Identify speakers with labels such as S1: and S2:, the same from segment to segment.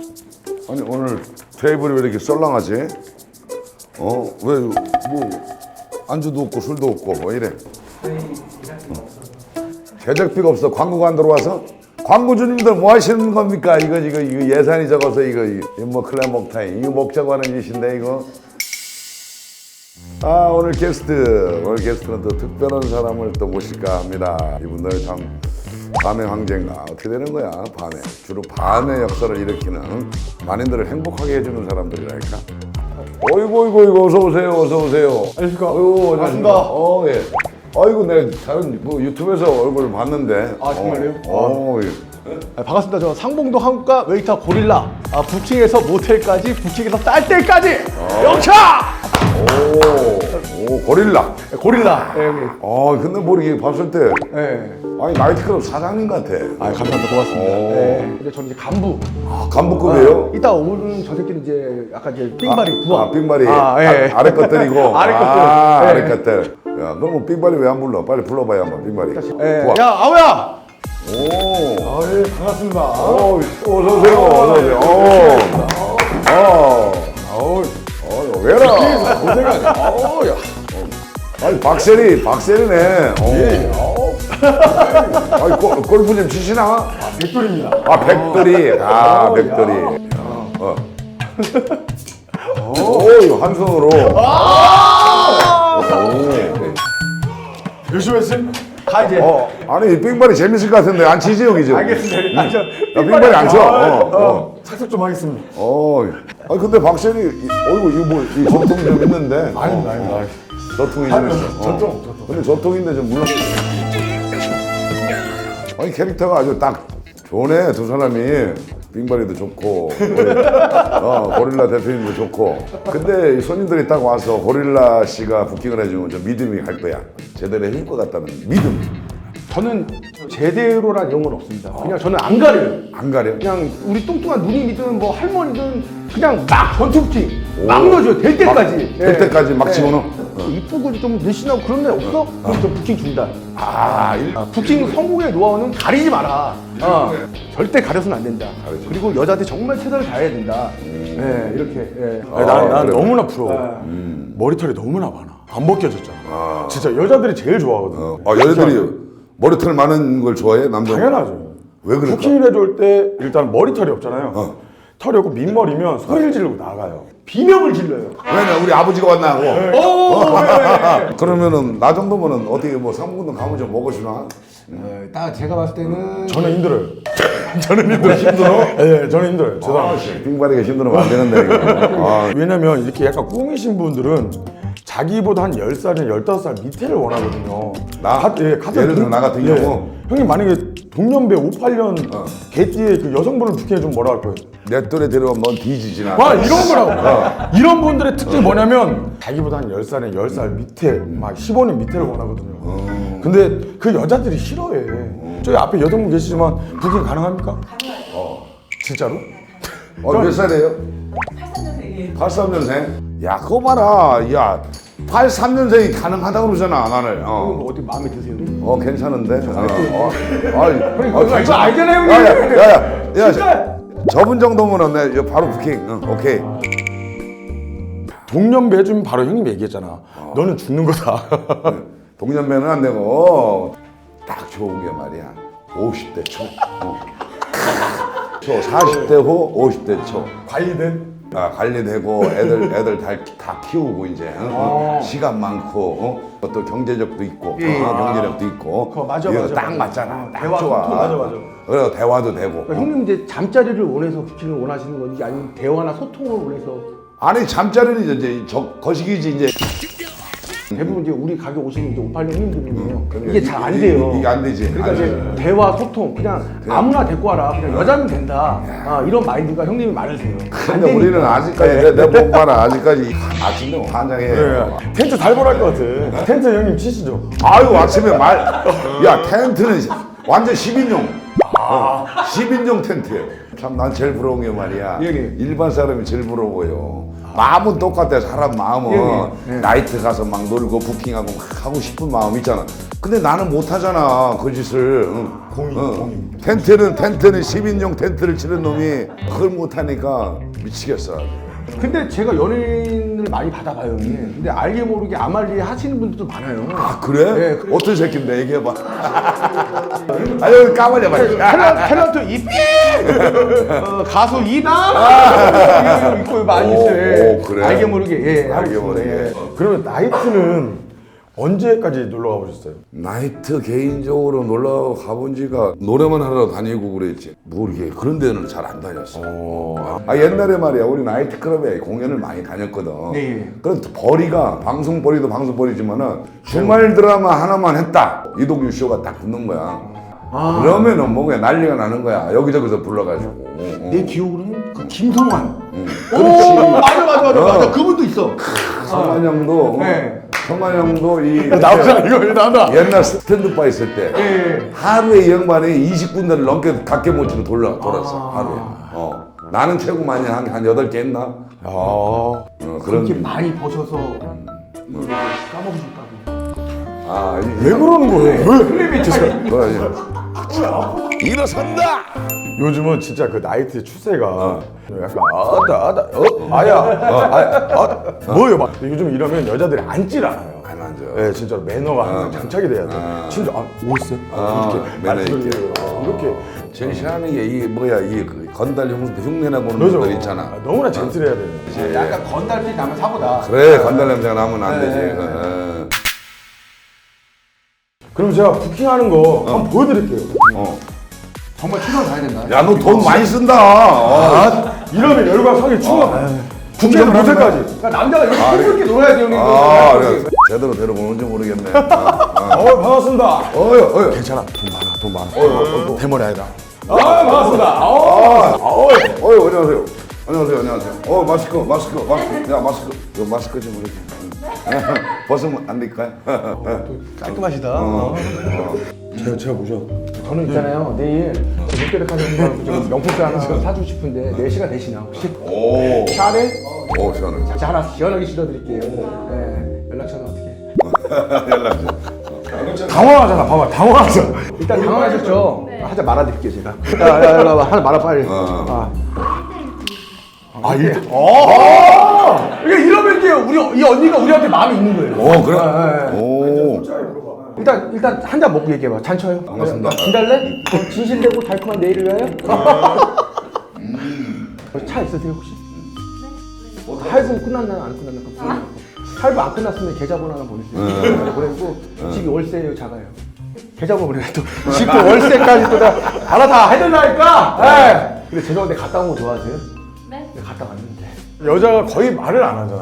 S1: 아니 오늘 테이블이 왜 이렇게 썰렁하지? 왜 뭐 안주도 없고 술도 없고 뭐 이래? 제작비가 없어. 광고가 안 들어와서? 광고주님들 뭐 하시는 겁니까? 이거 예산이 적어서 이거 뭐 클럽 먹타임 이거 먹자고 하는 짓인데 이거. 오늘 게스트는 또 특별한 사람을 또 모실까 합니다. 이분들 참 밤의 황제인가 어떻게 되는 거야? 밤에 주로 밤의 역사를 일으키는 만인들을 행복하게 해주는 사람들이랄까. 어이구 어서 오세요.
S2: 안녕하십니까.
S1: 반갑습니다. 예. 아이고 내가 다른 뭐 유튜브에서 얼굴 봤는데.
S2: 정말요?
S1: 예.
S2: 반갑습니다. 저 상봉동 한국과 웨이터 고릴라. 부킹에서 모텔까지, 부킹에서 쌀 때까지 영차!
S1: 오 고릴라.
S2: 고릴라. 예, 형님.
S1: 근데 뭐 이렇게 봤을 때
S2: 예.
S1: 아니 나이트클럽 사장님 같아.
S2: 감사합니다. 고맙습니다. 예. 근데 저는 이제 간부.
S1: 간부급이에요?
S2: 이따 오는 저 새끼는 이제 약간 이제 삥바리 부하.
S1: 삥바리.
S2: 예.
S1: 아래 것들이고.
S2: 아래 것들.
S1: 아래
S2: 예.
S1: 것들. 야, 너 뭐 삥바리 왜 안 불러? 빨리 불러봐요 한번 삥바리.
S2: 예.
S1: 부하.
S2: 야, 아우야!
S1: 오.
S2: 예, 반갑습니다.
S1: 어서 오세요. 왜라?
S2: 고생하네.
S1: 야. 아니 박세리네. 아니 골프 좀 치시나?
S2: 백돌입니다.
S1: 백돌이. 백돌이. 오, 한 손으로.
S2: 열심히 했음? 가 이제.
S1: 아니 빙발이 재밌을 것 같은데 안 치지 여기죠?
S2: 알겠습니다.
S1: 야, 빙발이 안 쳐.
S2: 착석 좀 하겠습니다.
S1: 아니 근데 박세리, 이거 뭐 이 전통 좀 있는데.
S2: 아닙니다.
S1: 저통이 좀 있어.
S2: 전통.
S1: 근데 저통인데 좀 물론. 아니 캐릭터가 아주 딱 좋네 두 사람이. 빙발이도 좋고 고릴라 대표님도 좋고. 근데 이 손님들이 딱 와서 고릴라 씨가 부킹을 해주면 좀 믿음이 갈 거야. 제대로 해줄 것 같다는 믿음.
S2: 저는 제대로란 이런 건 없습니다. 그냥 저는 안 가려요.
S1: 안 가려?
S2: 그냥 우리 뚱뚱한 누님이든 뭐 할머니든 그냥 막 전투 부킹 막 넣어줘요. 될 때까지.
S1: 될 때까지 막 집어넣어?
S2: 이쁘고 좀 늘씬하고 그런 애 없어? 그럼 저 부킹 준다. 부킹 성공의 노하우는 가리지 마라. 절대 가려서는 안 된다. 그리고 여자한테 정말 최선을 다해야 된다. 이렇게.
S3: 난
S1: 그래.
S3: 너무나 부러워. 머리털이 너무나 많아. 안 벗겨졌잖아. 진짜 여자들이 제일 좋아하거든.
S1: 여자들이 머리털 많은 걸 좋아해? 남자?
S3: 당연하죠.
S1: 왜 그럴까?
S3: 부킹을 해줄 때 일단 머리털이 없잖아요. 털이 없고 민머리면 소리를 지르고 나가요.
S2: 비명을 질러요.
S1: 왜냐 우리 아버지가 왔나 하고.
S2: 네.
S1: 그러면은 나 정도면은 어떻게 뭐 상무군도 가면 좀 먹어주나?
S2: 딱 제가 봤을 때는
S3: 저는 힘들어요. 저는 힘들어요. 힘들어? 네, 저는 힘들어요. 죄송합니다.
S1: 빙바리가 힘들면 안 되는데 이거.
S3: 왜냐면 이렇게 약간 꾸미신 분들은 자기보다 한 10살이나 15살 밑에를 원하거든요.
S1: 예를 들어 나 같은 경우.
S3: 형님 만약에 동년배 58년 개띠에 그 여성분을 부킹해주면 뭐라 할 거예요?
S1: 내 또래 데려오면 넌 뒤지지나.
S3: 이런 거라고. 이런 분들의 특징이 뭐냐면 자기보다 한 10살에 10살 밑에 막 15년 밑에를 원하거든요. 근데 그 여자들이 싫어해. 저기 앞에 여성분 계시지만 부킹 가능합니까? 진짜로?
S1: 몇 살이에요?
S4: 83년생이에요.
S1: 83년생? 야 그거 봐라. 야 83년생이 가능하다고 그러잖아 나를.
S2: 어디 마음에 드세요?
S1: 괜찮은데?
S2: 이거 알잖아요, 형님.
S1: 야, 저분 정도면은 내 이거 바로 부킹. 오케이.
S3: 동년배 해주면 바로 형님 얘기했잖아. 너는 죽는 거다.
S1: 동년배는 안 되고 딱 좋은 게 말이야. 50대 초. 40대 후 50대 초.
S3: 관리된?
S1: 관리되고 애들 다 키우고 이제 시간 많고 또 경제력도 있고 경제력도 있고
S2: 맞아.
S1: 딱 맞잖아. 딱
S2: 대화
S1: 좋아.
S2: 소통, 맞아.
S1: 그래 대화도 되고.
S2: 형님 이제 잠자리를 원해서 부킹을 원하시는 건지 아니면 대화나 소통을 원해서
S1: 아니 잠자리는 이제 거시기지 이제.
S2: 대부분 이제 우리 가게 오시는 이제 58년 형님들이에요. 이게 잘 안 돼요.
S1: 이게 안 되지.
S2: 그러니까 이제 대화 소통 그냥 아무나 데리고 와라. 그냥 여자면 된다. 이런 마인드가 형님이 많으세요.
S1: 근데 우리는 아직까지 내몸 봐라. 아직까지 아침에 환장해.
S3: 텐트 달벌할 것 같아. 텐트 형님 치시죠.
S1: 아유 아침에 야 텐트는 완전 10인용. 10인용 텐트예요. 참 난 제일 부러운 게 말이야.
S2: 예.
S1: 일반 사람이 제일 부러워요. 마음은 똑같아. 사람 마음은
S2: 예, 예.
S1: 나이트 가서 막 놀고 부킹하고 막 하고 싶은 마음 있잖아. 근데 나는 못 하잖아 그 짓을.
S3: 공인.
S1: 텐트는 10인용 텐트를 치는 놈이 그걸 못 하니까 미치겠어.
S2: 근데 제가 연예인을 많이 받아봐요, 형님. 근데 알게 모르게 아말리에 하시는 분들도 많아요.
S1: 아 그래?
S2: 네, 그래.
S1: 어떤 새끼인데 얘기해봐. 아유 까발려봐.
S2: 탤런트 이삐 가수 이남 있고 많이 있어요.
S1: 오, 그래?
S2: 알게 모르게 예, 하고
S1: 알게
S2: 있습니다.
S1: 모르게.
S2: 예.
S3: 그러면 나이트는 언제까지 놀러 가보셨어요?
S1: 나이트 개인적으로 놀러 가본 지가 노래만 하러 다니고 그랬지 모르게 그런 데는 잘 안 다녔어. 아 옛날에 말이야 우리 나이트클럽에 공연을 많이 다녔거든.
S2: 네.
S1: 그런 벌이가 방송 벌이도 방송 벌이지만은 주말 드라마 하나만 했다 이동규 쇼가 딱 붙는 거야. 그러면은 뭐 그냥 난리가 나는 거야. 여기저기서 불러가지고.
S2: 내 기억으로는 그 김성환.
S1: 그렇지.
S2: 맞아. 그분도 있어.
S1: 성환 형도
S2: 네.
S1: 성환 형도 이
S3: 나오잖아 이거 나온다.
S1: 옛날 스탠드바 있을 때
S2: 예.
S1: 하루에 이 양반이 20군데를 넘게 각계 모치로 돌았어 하루에. 나는 최고 많이 한 8개 했나? 그런
S2: 그렇게 많이 버셔서 까먹으셨다고.
S1: 아
S3: 왜 그러는 거예요? 왜?
S1: 일어선다.
S3: 요즘은 진짜 그 나이트 추세가 약간 아야 뭐예요 막 요즘 이러면 여자들이 앉질 않아요.
S1: 안 앉아.
S3: 네 진짜로 매너가 항상 장착이 돼야 돼. 진짜 오셨어요?
S1: 매너 있게.
S3: 이렇게
S1: 제일 싫어하는 게 이 뭐야 이 건달 흉내나 보는
S3: 그죠?
S1: 분들 있잖아.
S3: 너무나 젠틀해야 돼요.
S2: 약간 건달빛 나면 사고다.
S1: 그래 건달 냄새가 나면 안 되지.
S3: 그럼 제가 부킹하는 거 한번 보여드릴게요.
S2: 정말 최선을 다해야 된다.
S1: 야 너 돈 많이 쓴다.
S3: 이러면 열과 성이 추워. 부킹 못할까지.
S2: 그러니까 남자가 이렇게 즐겁게 놀아야 돼요, 형님.
S1: 그래. 제대로 데려오는지 모르겠네.
S3: 반갑습니다.
S1: 어휴.
S3: 괜찮아. 돈 많아. 대머리 아니다. 반갑습니다.
S1: 안녕하세요. 안녕하세요. 마스크. 야, 마스크. 이거 마스크 좀 이렇게. 벗으면 안 될까요?
S2: 깔끔하시다.
S3: 제가 모셔.
S2: 저는 있잖아요. 내일 롯데백화점 명품백 하나 사주고 싶은데 4시가 되시나 혹시?
S1: 오.
S2: 샤넬?
S1: 오, 시원해.
S2: 자, 하나 시원하게 실어드릴게요. 네, 연락처는 어떻게?
S1: 연락.
S3: 당황하잖아. 봐봐. 당황하잖아.
S2: 일단 당황하셨죠? 하자 말아드릴게요 제가. 야, 하나 말아 빨리.
S3: 이때.
S2: 이게 이러면 이제 이 언니가 우리한테 마음이 있는 거예요.
S1: 오, 그래? 오.
S2: 일단 한 잔 먹고 얘기해봐. 잔쳐요.
S1: 반갑습니다.
S2: 진달래? 진실되고 달콤한 내일을 위하여? 차 있으세요 혹시? 할부 끝났나 안 끝났나? 할부 안 끝났으면 계좌번호 하나 보내주세요. 보내고 집이 월세예요, 작아요. 계좌번호 보내고 또 집 또 월세까지 또 다 알아 다 해달라니까. 근데 죄송한데 갔다 온 거 좋아하세요?
S4: 네.
S2: 갔다 왔는데.
S3: 여자가 거의 말을 안 하잖아.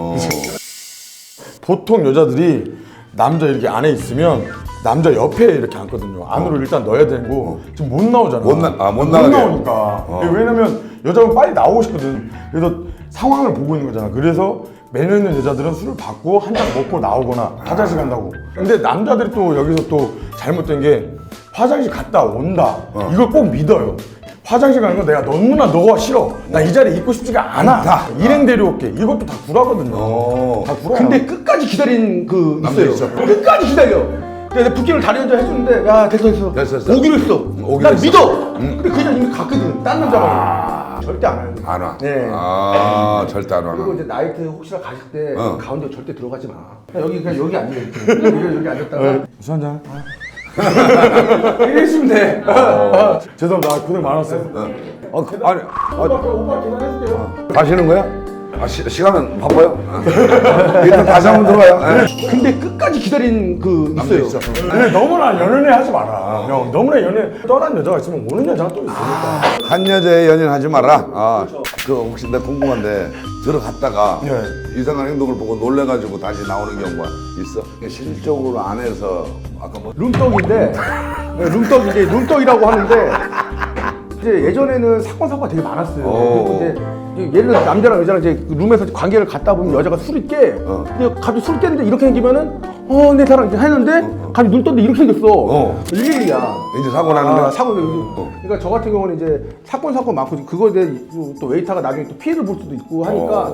S3: 보통 여자들이 남자 이렇게 안에 있으면 남자 옆에 이렇게 앉거든요. 안으로 일단 넣어야 되고 지금 못 나오잖아.
S1: 못 나가게.
S3: 나오니까. 왜냐면 여자분 빨리 나오고 싶거든. 그래서 상황을 보고 있는 거잖아. 그래서 매너 있는 여자들은 술을 받고 한 잔 먹고 나오거나 화장실 간다고. 근데 남자들이 또 여기서 또 잘못된 게 화장실 갔다 온다. 이걸 꼭 믿어요. 화장실 가는 거 내가 너가 싫어. 나 이 자리에 있고 싶지가 않아. 일행 데려올게. 이것도 다 구라거든요. 다 구라.
S2: 근데 끝까지 기다린 그 있어요.
S1: 있어.
S2: 끝까지 기다려. 내가 부킹을 다리 혼자 해주는데 야 됐어. 오기로 했어.
S1: 오기로
S2: 난
S1: 했어.
S2: 믿어. 근데 그 여자 이미 갔거든. 딴 남자가. 절대 안 와요.
S1: 안 와.
S2: 네.
S1: 절대 안
S2: 그리고
S1: 와.
S2: 이제 나이트 혹시나 가실 때 가운데 절대 들어가지 마. 그냥 여기 앉아 있게. 여기 앉았다가
S3: 술 한잔.
S2: 이러시면 돼.
S3: 죄송합니다. 고생 많았어요.
S2: 오빠 계산해줄게요.
S1: 가시는 거야? 시간은 바빠요? 일단 다시 한번 들어가요.
S2: 근데 끝까지 기다린 그 있어요.
S3: 근데 너무나 연연해 하지 마라. 형, 너무나 떠난 여자가 있으면 오는 여자가 또 있으니까.
S1: 한 여자의 연인하지 마라. 그 혹시 내가 궁금한데 들어갔다가 이상한 행동을 보고 놀래가지고 다시 나오는 경우가 있어? 실질적으로 안에서 아까 뭐
S2: 룸떡인데 룸떡인데 룸떡이라고 하는데 이제 예전에는 사건사고가 되게 많았어요. 그리고 이제 예를 들어 남자랑 여자랑 이제 룸에서 관계를 갖다 보면 여자가 술이 깨. 근데 갑자기 술 깨는데 이렇게 생기면은 내 사랑 이렇게 했는데 갑자기 눈 떴는데 이렇게 생겼어. 112야.
S1: 이제 사고 나는데
S2: 사고. 그러니까 저 같은 경우는 이제 사건 많고 그거에 대해 또 웨이터가 나중에 또 피해를 볼 수도 있고 하니까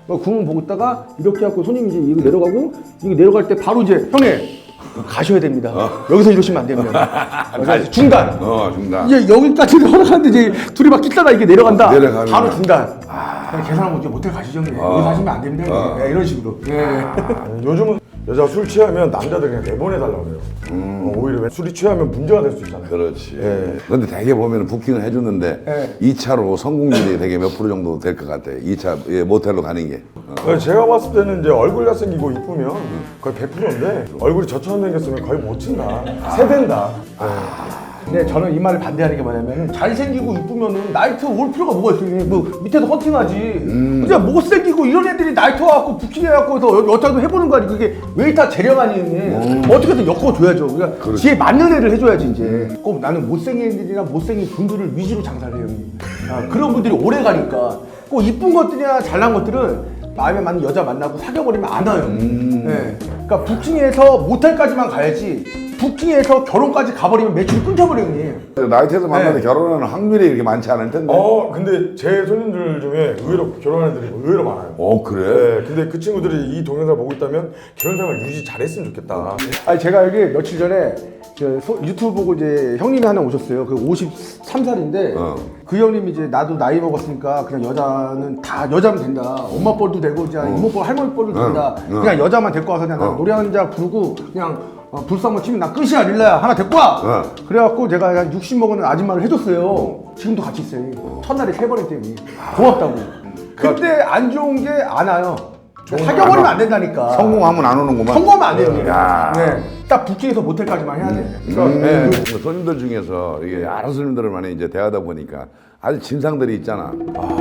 S2: 구멍 보고 있다가 이렇게 하고 손님이 이제 이거 내려가고 이거 내려갈 때 바로 이제 형님 가셔야 됩니다. 여기서 이러시면 안 됩니다. 그래서 중단.
S1: 중단.
S2: 이제 여기까지 허락하는데 이제 둘이 막 끼다가 이게 내려간다.
S1: 내려가면.
S2: 바로 중단. 그냥 계산하고 이제 모텔 가시죠. 여기서 하시면 안 됩니다. 네, 이런 식으로.
S3: 요즘은 여자 술 취하면 남자들 그냥 내보내달라고 그래요. 오히려 술이 취하면 문제가 될 수 있잖아요.
S1: 그렇지.
S3: 예.
S1: 근데 대개 보면 부킹을 해주는데
S2: 예.
S1: 2차로 성공률이 되게 몇 프로 정도 될 것 같아. 2차 모텔로 가는 게.
S3: 제가 봤을 때는 이제 얼굴 잘생기고 이쁘면 거의 100%인데 얼굴이 저처럼 생겼으면 거의 못 친다. 세댄다.
S2: 근데 저는 이 말을 반대하는 게 뭐냐면 잘생기고 이쁘면은 나이트 올 필요가 뭐가 있어요? 뭐 밑에서 헌팅하지. 그냥 못생기고 이런 애들이 나이트 와갖고 부킹해갖고 여자도 해보는 거 아니고 그게 웨이터 재량 아니에요. 어떻게든 엮어줘야죠. 그러니까 지에 맞는 애를 해줘야지 이제. 꼭 나는 못생긴 애들이나 못생긴 분들을 위주로 장사를 해요. 그런 분들이 오래 가니까 꼭 이쁜 것들이나 잘난 것들은 마음에 맞는 여자 만나고 사귀어버리면 안 와요. 네. 그러니까 부킹해서 모텔까지만 가야지. 부킹해서 결혼까지 가버리면 매출이 끊겨버려요, 형님.
S1: 나이트에서 만나서 결혼하는 확률이 이렇게 많지 않을 텐데.
S3: 근데 제 손님들 중에 의외로 결혼한 애들이 의외로 많아요.
S1: 그래?
S3: 네, 근데 그 친구들이 이 동영상을 보고 있다면 결혼생활 유지 잘했으면 좋겠다.
S2: 아니 제가 여기 며칠 전에 유튜브 보고 이제 형님이 하나 오셨어요. 그 53살인데 그 형님이 이제 나도 나이 먹었으니까 그냥 여자는 다 여자면 된다. 엄마 뻘도 되고 이제 이모뻘 할머니 뻘도 된다. 그냥 여자만 데리고 와서 그냥 나 노래 한 잔 부르고 그냥 불사 한번 치면 나 끝이야 릴라야 하나 데리고 와. 그래갖고 제가 한 60 먹은 아줌마를 해줬어요. 지금도 같이 있어요. 첫날에 세 번에 때문에 고맙다고. 근데 안 좋은 게 안 와요. 사겨버리면 안 된다니까.
S1: 성공하면 안 오는구만.
S2: 성공하면 안 돼요. 형님.
S1: 야.
S2: 네. 딱 부킹해서 모텔까지만 해야 돼.
S1: 그 손님들 중에서 이게 여러 손님들을 많이 이제 대하다 보니까 아주 진상들이 있잖아.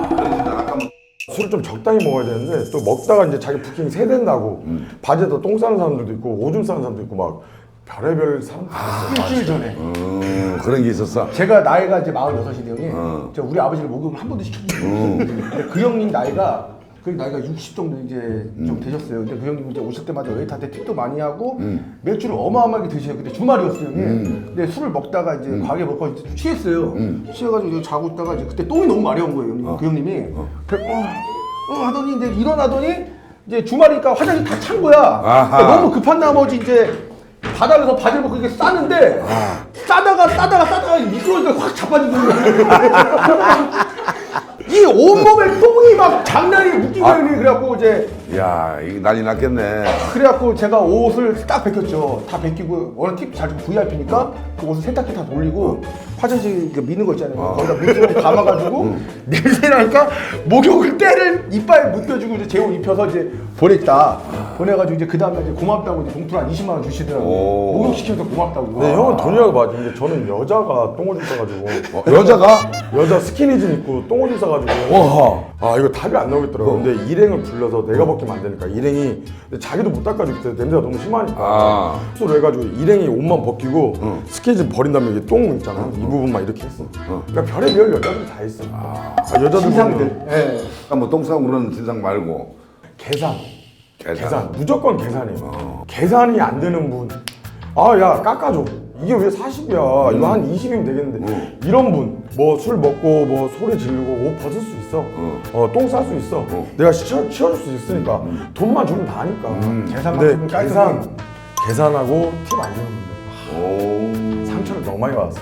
S3: 술을 좀 적당히 먹어야 되는데 또 먹다가 이제 자기 부킹이 세댄다고 바지에다 똥 싸는 사람들도 있고 오줌 싸는 사람도 있고 막 별의별 사람들
S2: 일주일 전에
S1: 그런 게 있었어.
S2: 제가 나이가 이제 46인데 형님 제가 우리 아버지를 목욕을 한 번도 시켜주셨어요. 근데 그 형님 나이가 60 정도 이제 좀 되셨어요. 근데 그 형님 이제 오실 때마다 웨이터한테 팁도 많이 하고 맥주를 어마어마하게 드셔요. 그때 주말이었어요, 형님. 근데 술을 먹다가 이제 과하게 먹고 이제 취했어요. 취해가지고 이제 자고 있다가 이제 그때 똥이 너무 마려운 거예요, 형님. 그 형님이. 하더니 이제 일어나더니 이제 주말이니까 화장실 다 찬 거야. 그러니까 너무 급한 나머지 이제 바닥에서 바지를 벗고 이렇게 싸는데 싸다가 미끄러지니까 확 자빠지는 거야. 이 온몸에 똥이 막 장난이 웃기고 그래갖고 이제
S1: 야, 이게 난리 났겠네.
S2: 그래갖고 제가 옷을 딱 벗겼죠. 다 벗기고 워낙 팁 잘 주고 VIP니까 그 옷을 세탁기 다 돌리고 화장실 그 미는 거 있잖아요. 거기다 물좀 감아가지고 냄새 나니까 목욕을 때를 이빨에 묶여주고 이제 제 옷 입혀서 이제 보냈다. 보내가지고 이제 그 다음날 이제 고맙다고 이제 봉투를 한 20만 원 주시더라고요. 목욕시켜서 고맙다고.
S3: 네, 형은 돈이라도 맞아. 근데 저는 여자가 똥오줌 싸가지고
S1: 여자가?
S3: 여자 스키니진 입고 똥오줌 싸가지고 이거 답이 안 나오겠더라고. 근데 일행을 불러서 내가 벗기면 안 되니까 일행이 근데 자기도 못 닦아주기 때문에 냄새가 너무 심하니까 술 해가지고 일행이 옷만 벗기고 스키니진 버린 다음에 이게 똥 있잖아 이 부분만 이렇게 했어. 그러니까 별의별 여자들이 다 있어. 여자들
S2: 진상들. 예.
S1: 뭐 똥 싸고 그러는 진상 말고
S3: 계산 무조건 계산이에요. 계산이 안 되는 분 야 깎아줘. 이게 왜 40이야 이거 한 20이면 되겠는데 이런 분 뭐 술 먹고 뭐 소리 지르고 옷 벗을 수 있어. 똥 쌀 수 있어. 내가 치워줄 수 있으니까 돈만 주면 다 하니까.
S2: 계산만
S3: 근데
S2: 주면 깔끔해.
S3: 계산하고 팁 안 주는 분들 상처를 너무 많이 받았어.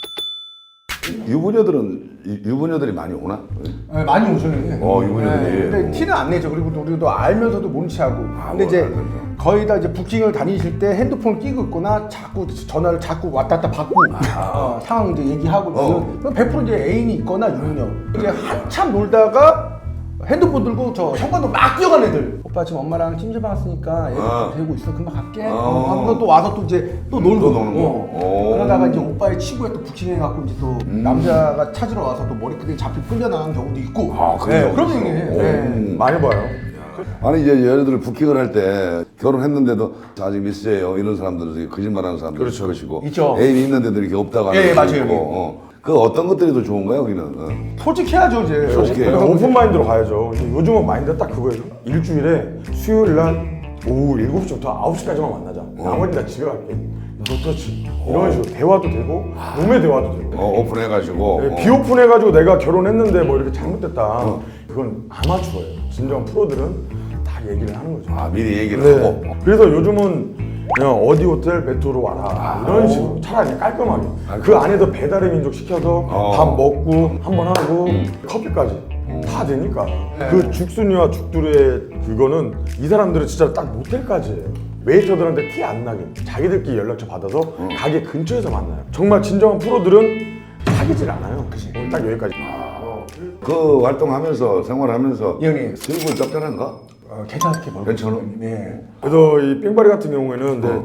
S1: 유부녀들이 많이 오나?
S2: 네, 많이 오셔요.
S1: 유부녀들이.
S2: 근데 티는 안 내죠. 그리고 우리도 알면서도 모른 체하고. 근데 이제 거의 다 이제 부킹을 다니실 때 핸드폰 끼고 있거나 자꾸 전화를 자꾸 왔다 갔다 받고 상황 이제 얘기하고 그럼 100% 이제 애인이 있거나 유부녀. 이제 한참 놀다가 핸드폰 들고 저 현관도 막 뛰어간 애들. 오빠 지금 엄마랑 찜질방 왔으니까 애 데리고 있어. 금방 갈게. 하고 또 와서 또 이제 또 놀고.
S1: 또 노는 거.
S2: 그러다가 이제 오빠의 친구가 또 부킹해갖고 이제 또 남자가 찾으러 와서 또 머리끄댕이 잡히 끌려나간 경우도 있고. 그런 얘기예요.
S3: 많이 봐요.
S1: 아니 이제 여자들 부킹을 할 때 결혼했는데도 아직 미스예요 이런 사람들은 거짓말하는 사람들 그렇죠. 것이고
S2: 있죠.
S1: 애인이 있는데도 이렇게 없다고 하는
S2: 맞아요.
S1: 사람도 있고, 그 어떤 것들이 더 좋은가요 여기는?
S2: 솔직해야죠 이제.
S1: 솔직해요.
S3: 오픈 마인드로 가야죠. 근데 요즘은 마인드가 딱 그거예요. 일주일에 수요일 날 오후 7시부터 9시까지만 만나자. 나머지 다 집에 갈게. 노터치 이런 식으로 대화도 되고 룸의 대화도 되고
S1: 오픈해가지고.
S3: 네, 비오픈해가지고 내가 결혼했는데 뭐 이렇게 잘못됐다 그건 아마추어예요. 진정한 프로들은 다 얘기를 하는 거죠.
S1: 아, 미리 얘기를
S3: 네.
S1: 하고.
S3: 그래서 요즘은 그냥 어디 호텔 메트로 와라 이런 식으로 차라리 그냥 깔끔하게 그 안에서 배달의 민족 시켜서 밥 먹고 한번 하고 커피까지 다 되니까 그 죽순이와 죽두리의 그거는 이 사람들은 진짜 딱 모텔까지예요. 웨이터들한테 티 안 나게 자기들끼리 연락처 받아서 가게 근처에서 만나요. 정말 진정한 프로들은 사귀질 않아요. 오늘 딱 여기까지.
S1: 그 활동하면서, 생활하면서.
S2: 예, 형님.
S1: 기분 짭짤한가?
S2: 괜찮게 벌고.
S1: 괜찮아?
S2: 네.
S3: 그래서 이 뺑바리 같은 경우에는 근데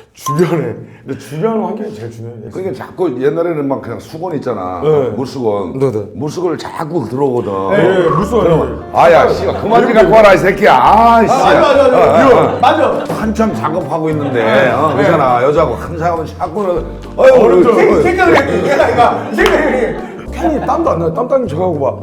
S3: 주변 환경이 제일 중요해요.
S1: 그러니까 자꾸 옛날에는 막 그냥 수건 있잖아.
S3: 네.
S1: 물수건.
S3: 네.
S1: 물수건을 자꾸 들어오거든.
S3: 네, 물수건이.
S1: 아야, 씨가 그만 좀 갖고 와라, 이 새끼야. 아, 씨.
S2: 맞아.
S1: 한참 작업하고 있는데, 그잖아. 여자하고 한 사람은 자꾸,
S2: 생각을 해. 얘가 생각을 해.
S3: 캔이 땀도 안 나요. 땀 저하고 막.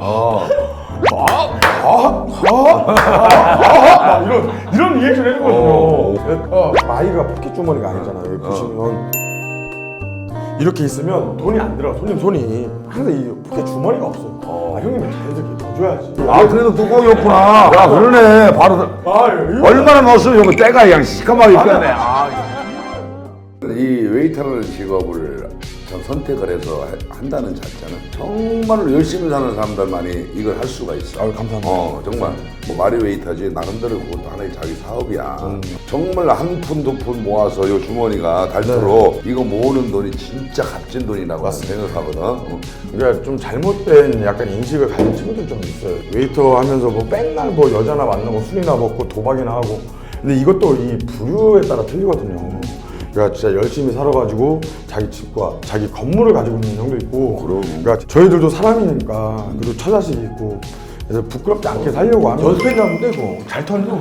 S3: 막 이런 리액션 해주거든요. 마이가 포켓 주머니가 아니잖아요. 여기 보시면 이렇게 있으면 돈이 안 들어. 손이 항상 이 포켓 주머니가 없어요. 형님이 자연스럽게 넣어줘야지.
S1: 아, 그래도 뚜껑이었구나. 야, 그러네. 바로.
S3: 이거
S1: 얼마나 넣었으면 이거 때가 그냥 시커멓게 펴네. 이 웨이터라는 직업을 전 선택을 해서 한다는 자체는 정말로 열심히 사는 사람들만이 이걸 할 수가 있어.
S3: 감사합니다.
S1: 정말 뭐 말이 웨이터지 나름대로 그것도 하나의 자기 사업이야. 정말 한 푼 두 푼 모아서 요 주머니가 닳도록 이거 모으는 돈이 진짜 값진 돈이라고 생각하거든.
S3: 그러니까 좀 잘못된 약간 인식을 가진 친구들 좀 있어요. 웨이터 하면서 뭐 맨날 뭐 여자나 만나고 술이나 먹고 도박이나 하고. 근데 이것도 이 부류에 따라 틀리거든요. 그러니까 진짜 열심히 살아가지고 자기 집과 자기 건물을 가지고 있는 형도 있고. 그러니까 저희들도 사람이니까 그리고 처자식이 있고. 그래서 부끄럽지 않게 살려고 하는.
S2: 연습했나본데 이거 잘 털려.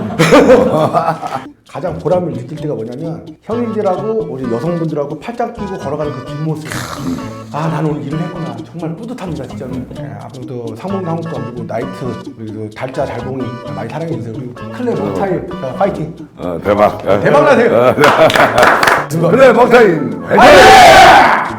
S2: 가장 보람을 느낄 때가 뭐냐면 형님들하고 우리 여성분들하고 팔짱 끼고 걸어가는 그 뒷모습. 아, 나는 오늘 일을 했구나. 정말 뿌듯합니다, 진짜로. 앞으로도 상봉도 한국도 그리고 나이트 그리고 달자 잘봉이 많이 사랑해주세요. 그리고 클랩 럭타임 파이팅.
S1: 대박.
S2: 대박 나세요.
S1: 그래, 먹타임. 화이팅!